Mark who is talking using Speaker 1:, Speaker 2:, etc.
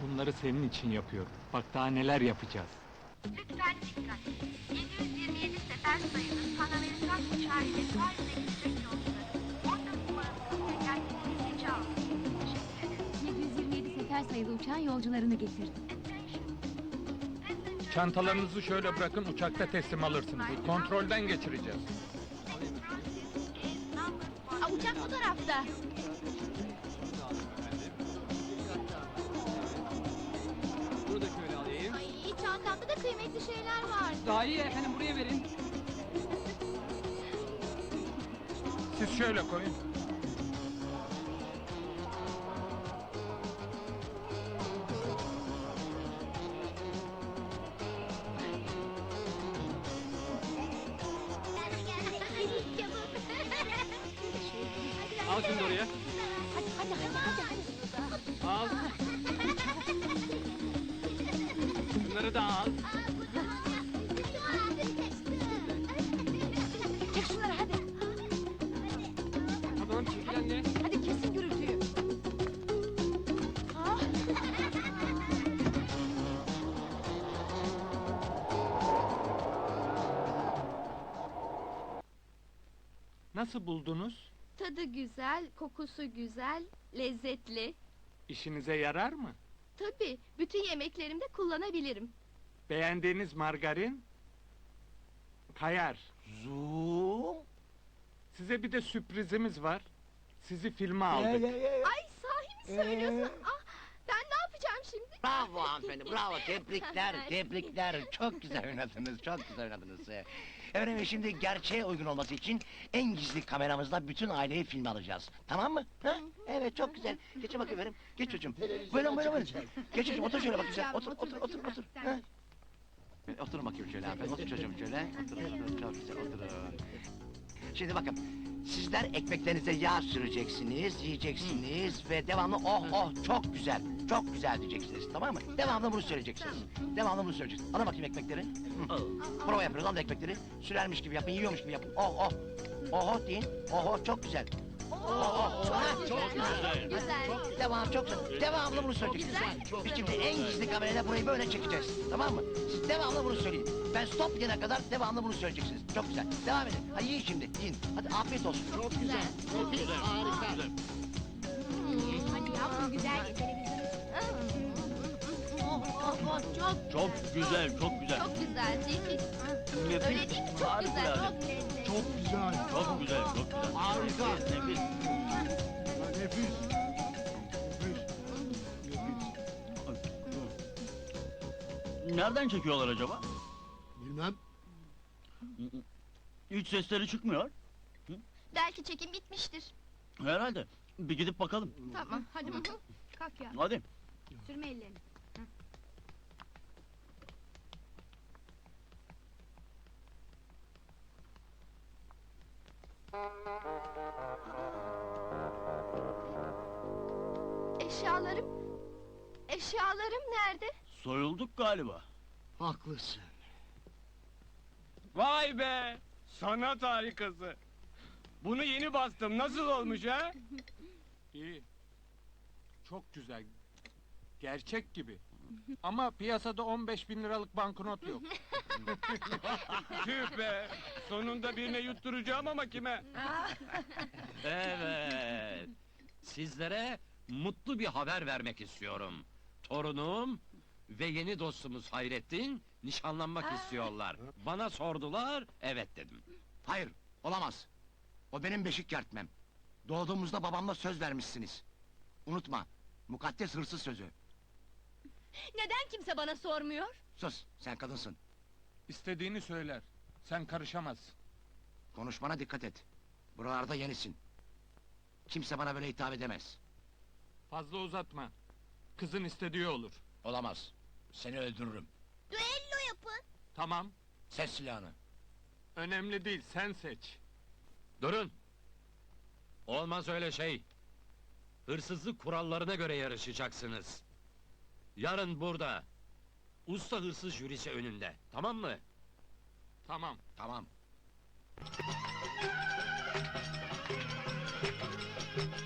Speaker 1: Bunları senin için yapıyorum. Bak daha neler yapacağız.
Speaker 2: Lütfen dikkat. 727 sefer sayılı Pan Amerikan uçağı ile Paris'e gidecek yolcuların 14 numarasının tekerlekli geçi aldı. Teşekkür ederim.
Speaker 3: 727 sefer sayılı uçağın yolcularını getirdim.
Speaker 2: Attention. Passengers
Speaker 1: Çantalarınızı şöyle bırakın, uçakta teslim alırsınız. Kontrolden geçireceğiz.
Speaker 2: is number
Speaker 3: Uçak bu tarafta.
Speaker 4: Bunu da şöyle alayım.
Speaker 3: Ay, çantamda da kıymetli şeyler var.
Speaker 4: Daha iyi efendim, buraya verin.
Speaker 1: Siz şöyle koyun.
Speaker 4: Al şunu da oraya.
Speaker 3: Hadi.
Speaker 4: Al. Bunları da al.
Speaker 3: Çek şunları hadi.
Speaker 4: Tamam, çekil anne.
Speaker 3: Hadi kesin gürültüyü. Ah.
Speaker 1: Nasıl buldunuz?
Speaker 5: Tadı güzel, kokusu güzel, lezzetli.
Speaker 1: İşinize yarar mı?
Speaker 5: Tabii, bütün yemeklerimde kullanabilirim.
Speaker 1: Beğendiğiniz margarin? Kayar.
Speaker 6: Zoom.
Speaker 1: Size bir de sürprizimiz var. Sizi filme aldık.
Speaker 5: Ay sahi mi söylüyorsun? Ah, ben ne yapacağım şimdi?
Speaker 6: Bravo hanımefendi, bravo. Tebrikler, tebrikler. Çok güzel oynadınız, çok güzel oynadınız. Efendim şimdi gerçeğe uygun olması için en gizli kameramızla bütün aileyi filme alacağız. Tamam mı? Ha? Evet, çok güzel. Geçin bakayım efendim. Geç çocuğum. Buyurun, buyurun, buyurun. Geç çocuğum, otur şöyle bak güzel. Otur, otur, otur, otur. Ha? Oturun bakayım şöyle hanımefendi. Otur çocuğum şöyle. Oturun, çok güzel, oturun. Şimdi bakın, sizler ekmeklerinize yağ süreceksiniz, yiyeceksiniz ve devamlı oh oh çok güzel diyeceksiniz, tamam mı? Devamlı bunu söyleyeceksiniz. Devamlı bunu söyleyeceksiniz. Alın bakayım ekmekleri. Hı. Prova yapıyoruz, alın ekmekleri. Sürermiş gibi yapın, yiyormuş gibi yapın. Oh oh. Oh oh deyin. Oh oh çok güzel. Oh oh.
Speaker 5: Çok güzel. Güzel.
Speaker 6: Devam çok güzel. Devamlı bunu söyleyeceksiniz. Biz şimdi en gizli kamerayla burayı böyle çekeceğiz. Tamam mı? Siz devamlı bunu söyleyin. Ben stop diyene kadar devamlı bunu söyleyeceksiniz. Çok güzel. Devam edin. Hadi yiyin şimdi. Yiyin. Hadi afiyet olsun.
Speaker 5: Çok güzel.
Speaker 3: Hadi yavrum güzel televizyon. Çok
Speaker 7: Çok güzel, çok güzel.
Speaker 5: Çok güzel değil mi?
Speaker 7: Nefis,
Speaker 5: Öyle değil mi? Çok güzel.
Speaker 7: harikulade.
Speaker 5: Çok lezzetli.
Speaker 7: Çok güzel, çok güzel, çok güzel.
Speaker 6: Harika.
Speaker 7: Nefis. Nereden çekiyorlar acaba?
Speaker 8: Bilmem.
Speaker 7: Hiç sesleri çıkmıyor.
Speaker 5: Belki çekim bitmiştir.
Speaker 7: Herhalde. Bir gidip bakalım.
Speaker 5: Tamam, hadi bakalım.
Speaker 3: kalk ya.
Speaker 7: Hadi.
Speaker 3: Sürme ellerini.
Speaker 5: Eşyalarım... Eşyalarım nerede?
Speaker 7: Soyulduk galiba.
Speaker 8: Haklısın.
Speaker 4: Vay be! Sanat harikası. Bunu yeni bastım. Nasıl olmuş ha?
Speaker 1: İyi. Çok güzel. Gerçek gibi. Ama piyasada 15.000 liralık banknot yok.
Speaker 4: Tüh be! Sonunda birine yutturacağım ama kime?
Speaker 9: Evet. Sizlere mutlu bir haber vermek istiyorum. Torunum ve yeni dostumuz Hayrettin nişanlanmak istiyorlar. Bana sordular, evet dedim.
Speaker 6: Hayır, olamaz. O benim beşik kertmem. Doğduğumuzda babamla söz vermişsiniz. Unutma, mukaddes hırsız sözü.
Speaker 3: Neden kimse bana sormuyor?
Speaker 6: Sus, sen kadınsın.
Speaker 1: İstediğini söyler. Sen karışamazsın.
Speaker 6: Konuşmana dikkat et. Buralarda yenisin. Kimse bana böyle hitap edemez.
Speaker 1: Fazla uzatma. Kızın istediği olur.
Speaker 6: Olamaz. Seni öldürürüm.
Speaker 3: Düello yapın.
Speaker 1: Tamam.
Speaker 6: Ses silahını.
Speaker 1: Önemli değil, sen seç.
Speaker 9: Durun! Olmaz öyle şey. Hırsızlık kurallarına göre yarışacaksınız. Yarın burada. Usta hırsız jürisi önünde, tamam mı?
Speaker 1: Tamam.
Speaker 6: Tamam.